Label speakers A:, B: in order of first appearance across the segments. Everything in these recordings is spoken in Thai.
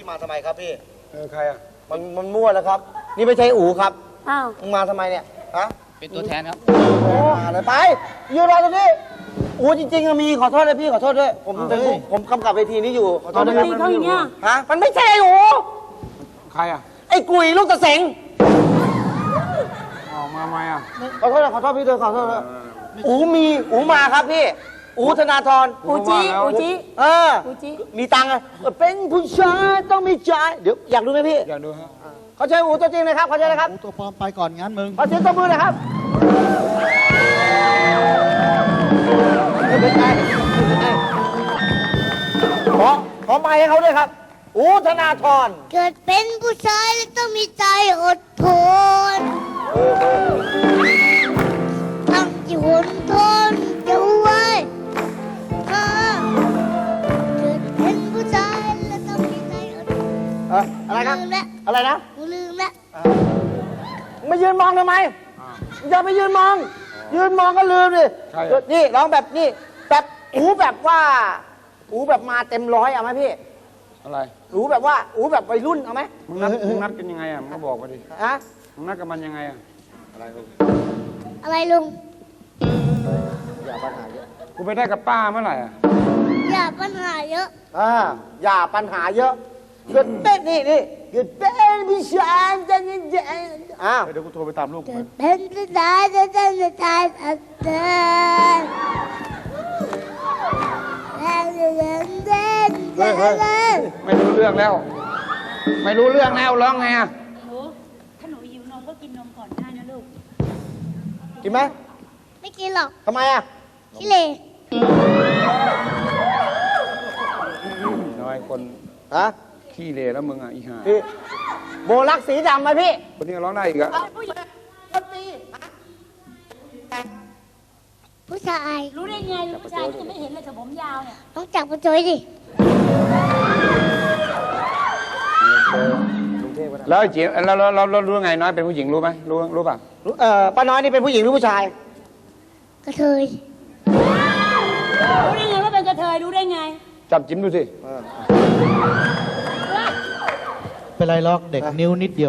A: พี่มาทำไมครับพี่
B: ใครอ่ะ
A: มันมั่วแล้วครับ นี่ไม่ใช่อู๋ครับ
C: อ้าว
A: มึงมาทำไมเนี่ยฮะ
D: เป็นตัวแทนครับ
A: มาเลยไปยืนรอตรงนี้อู๋จริงๆอะมีขอโทษเลยพี่ขอโทษด้วยผมกำกับเวทีนี้อยู่ขอโทษด้วยครับ
C: ตีเขาอย่างเงี้ย
A: ฮะมันไม่ใช่อู๋
B: ใครอ่ะ
A: ไอ้กุยลูกตะเสง
B: ออกมาไหมอ่ะ
A: ขอโทษนะขอโทษพี่ด้วยขอโทษนะอู๋มาครับพี่อู๋ธนาธร
C: อูจิอูจิ
A: เออ
C: อูจิ
A: มีตังค์อะเป็นผู้ชายต้องมีใจเดี๋ยวอยากดูไหมพี่
B: อยากดูฮะ
A: เขาใช้อู๋ตัวจริงนะครับเขาใช้นะครับ
E: อูตัวปลอมไปก่อนงั้นมึง
A: ขอเสียงตบมือหน่อยครับไม่เป็นไรขอไมค์ให้เขาด้วยครับอู๋ธนาธร
F: เกิดเป็นผู้ชายแล้วต้องมีใจอดทนต้องที่หนทนจะไว้เกิดเป็นผู้ชายแล้วต้องมีใจอดทน
A: อะไรครับ
F: ลืมแล้ว
A: อะไรนะ
F: กูลืมแล้ว
A: มายืนมองทำไมอย่าไปยืนมอง ยืนมองก็ลืมดินี่ร้องแบบนี่แบบอูแบบว่าอูแบบมาเต็มร้อยเอาไหมพี่
B: อะไร
A: อูแบบว่าอูแบบวัยรุ่นเอาไหม
B: มึงนัดกันยังไงอ่ะมึงก็บอกมาดิ
A: ฮะ
B: มึงนัดกับมันยังไงอ่ะ
F: อะไรลุง
A: อย่าปัญหาเยอะ
B: กูไปได้กับป้าเมื่อไหร่อ่ะ
F: อย่าปัญหาเยอะ
A: อย่าปัญหาเยอะเกิดเป็นนี่เกิดเป็นผู้ชายจะนี่อ้าว
B: เดี๋ยวกูโทรไปตามลูก
F: เกิดเป็นผู้ชายจะต้องมีใจอดทนแล้วจะเดินเดินเดิน
B: ไม่รู้เรื่องแล้ว ไม่รู้เรื่องแล้วร้องไงอ่ะ
C: หนูถ้าหนูหิวนมก็กินนมก่อนได้นะลูก
A: กินไหม
F: ไม่กินหรอก
A: ทำไมอ่ะ
F: ขี้เหร่
B: น้อยคน
A: ฮะ
B: ขี้เลแล้วมึงอ่ะอีห่า
A: พี่โบลักสีดำไหมพี่
B: คนนี้ก็ร้องได้อีกอ่ะ
F: ผู้ชาย
C: รู้ได้ไงลูกผู้ชายจะไม่เห็นเลยแต่ผมยาวเนี่ย
F: ต้องจับมาจอยดิ
B: แล้วไอ้เจี๋ยเรารู้ไงน้อยเป็นผู้หญิงรู้ไหมรู้ป่ะ
A: ป้าน้อยนี่เป็นผู้หญิงหรือผู้ชาย
F: กระเทย
C: รู้ได้ไงว่าเป็นกระเทยรู้ได้ไง
B: จับจิ้มดูสิ
E: เป็นไรล็อกเด็กนิ้วนิดเดียว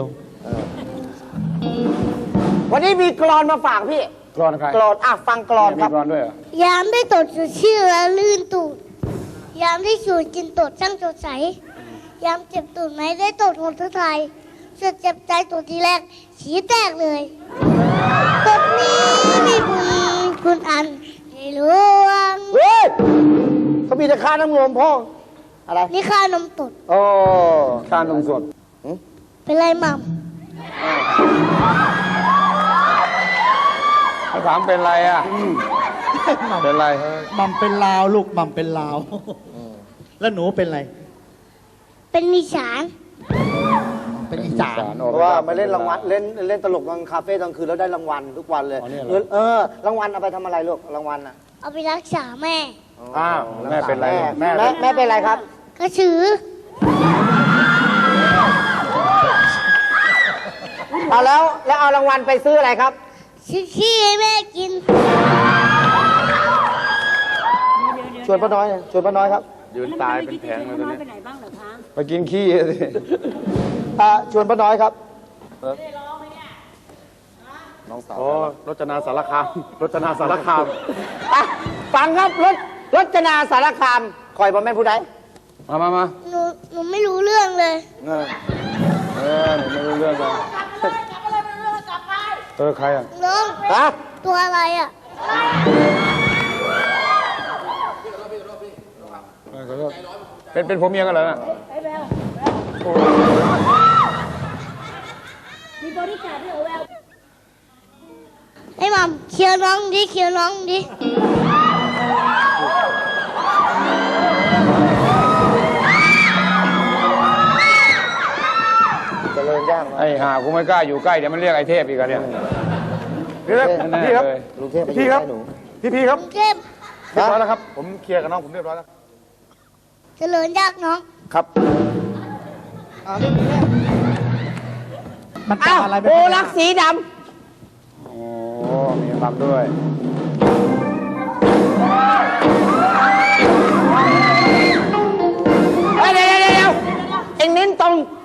A: วันนี้มีกรอนมาฝากพี่
B: กรอนใคร
A: กรอนฟังกรอน
B: มี
A: ครับ
B: กรอนด้วยเหรอย
F: ามได้ตดสดชื่อและลื่นตูด ยามได้สูดกินตดช่างสดใส ยามเจ็บตูดไหมได้ตดหมดทั้งไทยสุดเจ็บใจตัวทีแรกฉีแตกเลยตดนี้มีบุญคุณอันในหลวง
A: เฮ้ยเขามีแต่ค่าน้ำนมพ่ออะไร
F: นี่ค่านมตด
A: โอ้
B: การลงสด
F: เป็นไรหม่
B: เขาถามเป็นไรอ่ะเป็นไร
E: มัมเป็นลาวลูกมัมเป็นลาว แล้วหนูเป็นไร
F: ำเป็นนิสาน
E: เป็นอีสาน
A: เพราะว่ามาเล่นรางวัลเล่นตลกกลางคาเฟ่กลางคืนแล้วได้รางวัลทุกวันเลยรางวัลเอาไปทำอะไรลูกรางวัลอ่ะ
F: เอาไปรักษาแม่
B: อ้าวแม่เป็นไรลูก
A: แม่เป็นไรครับ
F: กระสือ
A: เอาแล้วเอารางวัลไปซื้ออะไรครับ
F: ซื้อขี้ให้แม่กิน
A: ชวนป้าน้อยชวนป้าน้อยครับ
B: ยืนตายเป็นแผงเลยตัวนี้
C: ไปไหนบ้างเหรอคะ
B: ไปกินขี้สิ
A: ชวนป้าน้อยครับ
B: น้องสาวโอ้รจนาสารคามรจนาสารคาม
A: ฟังครับรจนาสารคามคอยบอแม่นผู้ใด
B: มา
F: หนูไม่รู้เรื่องเลย
B: หนูไม่รู้เรื่องเลยใครอ่ะ
F: น้อง
A: ฮะ
F: ตัวอะไรอ่ะ
B: เป็นผมเมียกันเหรอ
C: มีบริการด้วยเหรอแวว
F: ไอ้หม่ำเคลียร์น้องดิเคลียร์น้องดิ
A: เจริญย่าง
B: ไอ้ห่ากูไม่กล้าอยู่ใกล้เดี๋ยวมันเรียกไอ้เทพอีกอะเนี่ย
A: พี่ครับพี่ครับ
B: ลุง
A: พี่ครับพี่ครับ
F: กรุงเทพ
A: เรียบร้อยแล้วครับผมเคลียร์กับน้องผมเรียบร้อยแล้ว
F: เจริญยากน้อง
A: ครับ
E: มัน
A: อ้าว
E: จำอะไรไม่
A: โบ
E: ได้
A: ลักสีด
B: โอ้มีฟังด้วย
A: ำเดี๋ยวเอ็งเน้น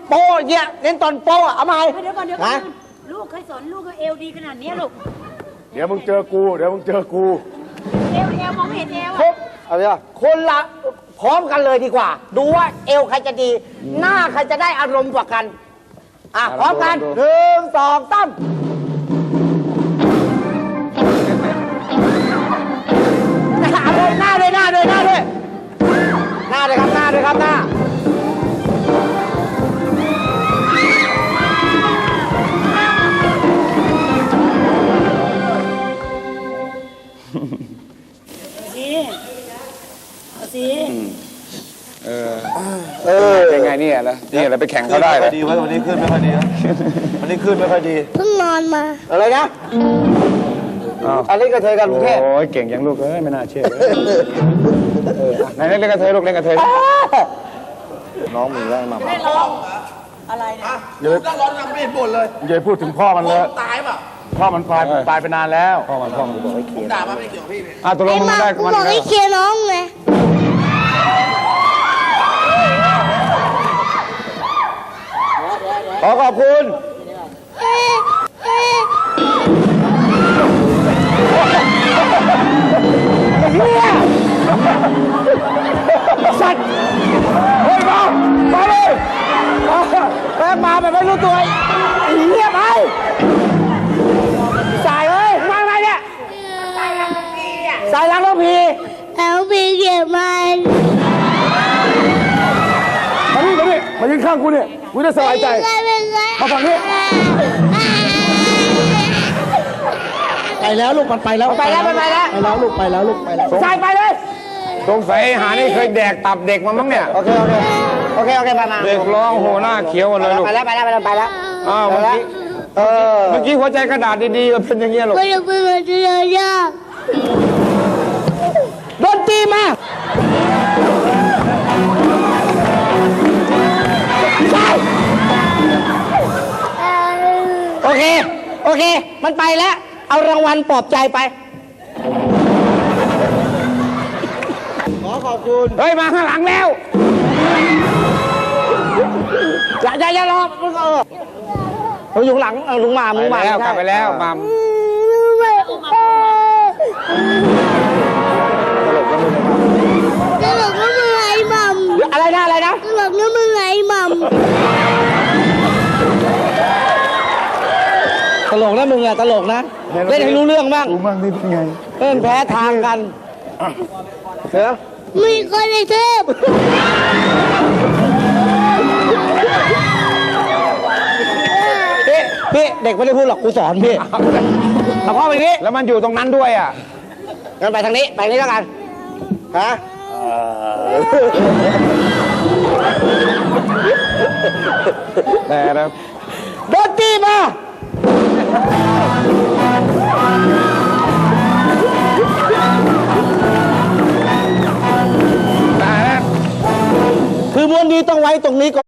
A: โป้เนี่ยเน้นตอนโป้เอาไหม
C: เดี๋ยวก่อนเดี๋ยวก่อนลูกเคยสอนลูกก็เอวดีขนาดนี้ลูก
B: เดี๋ยวมึงเจอกู เดี๋ยวมึงเจอกู
C: เอวมองไม่เห็นเอว
A: ครบเอาไปคนละพร้อมกันเลยดีกว่า ดูว่าเอวใครจะดี หน้าใครจะได้อารมณ์กว่ากันพร้อมกันหนึ่งสองสามหน้าเลยหน้าเลยหน้าเลยหน้าเลยหน้าเลยครับหน้าเลยครับหน้า
C: เอาสิ
D: เป็นไงเนี่ยล่ะนี่อะไรไปแข่งเขาได้เหรอ
E: ดีไว้วันนี้ขึ้นไม่ค่อยดีวันนี้ขึ้นไม่ค่อยดี
F: เพิ่งนอนมา
A: อะไรนะอันนี้กระเทยกันกรุงเทพ
D: โอ้ยเก่งยังลูกเอ้ยไม่น่าเชื่อไหนเล่นกระเทยลูกเล่นกระเทย
E: น้องมึงแรงมา
C: ไม่ร้องอะไรเนี่ย
B: อย่าไปพูดถึงพ่อมันเลยตายป่ะพ่อมันตายไปนานแล้ว
D: พ่อมันบอกให้เคลียร์ด่ามาไม่เกี่ยวกับพี่ตกล
F: ไอ้
D: งมึง
F: มา
D: ได้
F: กู
D: มัน
F: บอกให้เคลียร์น้องไง
A: ขอขอบคุณ
F: เอ๊ะเอ๊ะ
A: เฮียสัตว์เฮ้ยมาเลยแม่มาแบบไม่รู้ตัวไอ้เฮียไปสายเอ้ยมาไงเนี่ยสายล้างรถพี
F: แล้วมีเก็บมัน
B: มายืนข้างกูเนี่ยกูจะสบายใจ
F: เป็นไร
B: มาฝั่งนี้
E: ไปแล้วลูกมันไปแล้ว
A: ไปแล้ว
E: ไปแล้วลูกไปแล้วลูกไปแล้ว
A: สายไปเลย
D: สงสัยไอ้หานี่เคยแดกตับเด็กมามั้งเนี่ย
A: โอเคมา
D: เด็กร้องโหหน้าเขียวหมดเลยลูก
A: ไปแล้ว
D: อ้าวเมื่อกี้ เมื่อกี้หัวใจกระดาษดีๆก็เป็นอย่างเงี้ยลูก
F: ก็จะเป็นแบบนี้เลยยาก
A: ดนตรีมาใช่โอเค มันไปแล้ว เอารางวัลปลอบใจไป
E: ขอขอบคุณ
D: เฮ้ยมาข้างหลังแล้ว
A: อย่ารอมึงอยู่ข้างหลังลุงมา
D: ไปแล้วกลับไปแล้วมา
F: ตลกก็มึงไอ้มัม
A: อะไรนะ
F: ตลกก็มึงไอ้มัม
A: ตลกนะมึงอะตลกนะ เล่นให้รู้เรื่องบ้าง
B: กูมั่งนี่เป็นไง
A: เล่นแพ้ทางกันเถอะ
F: มีคนในเทพ
A: พี่เด็กไม่ได้พูดหรอกกูสอนพี่เอาพ่อไปนี้
D: แล้วมันอยู่ตรงนั้นด้วยอ่ะ
A: งั้นไปทางนี้แล้วกันฮะ
D: แต่นะ
A: ดนตรีมา
D: แต่นะ
A: คือมวนดีต้องไว้ตรงนี้ก่อน